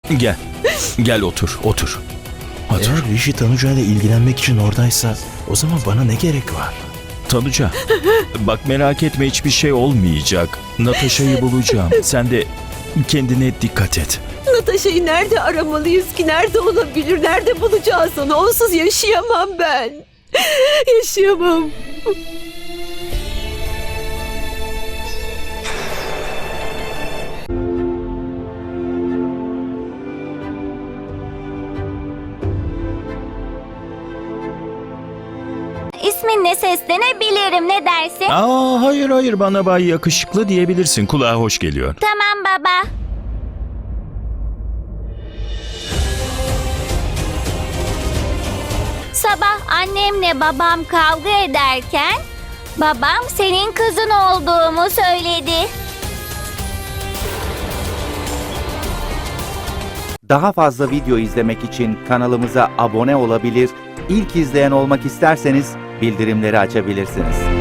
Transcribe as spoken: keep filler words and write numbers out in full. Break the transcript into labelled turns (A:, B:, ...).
A: Gel. Gel otur, otur. Otur.
B: Eğer Rishi Tanuca ile ilgilenmek için oradaysa o zaman bana ne gerek var?
A: Tanuca, bak merak etme, hiçbir şey olmayacak. Natasha'yı bulacağım. Sen de kendine dikkat et.
C: Natasha'yı nerede aramalıyız ki? Nerede olabilir? Nerede bulacağız onu? Onsuz yaşayamam ben. Yaşayamam.
D: İsminle seslenebilirim, ne dersin?
A: Aa, hayır hayır, bana Bay Yakışıklı diyebilirsin. Kulağa hoş geliyor.
D: Tamam baba. Sabah annemle babam kavga ederken babam senin kızın olduğumu söyledi.
E: Daha fazla video izlemek için kanalımıza abone olabilir, ilk izleyen olmak isterseniz bildirimleri açabilirsiniz.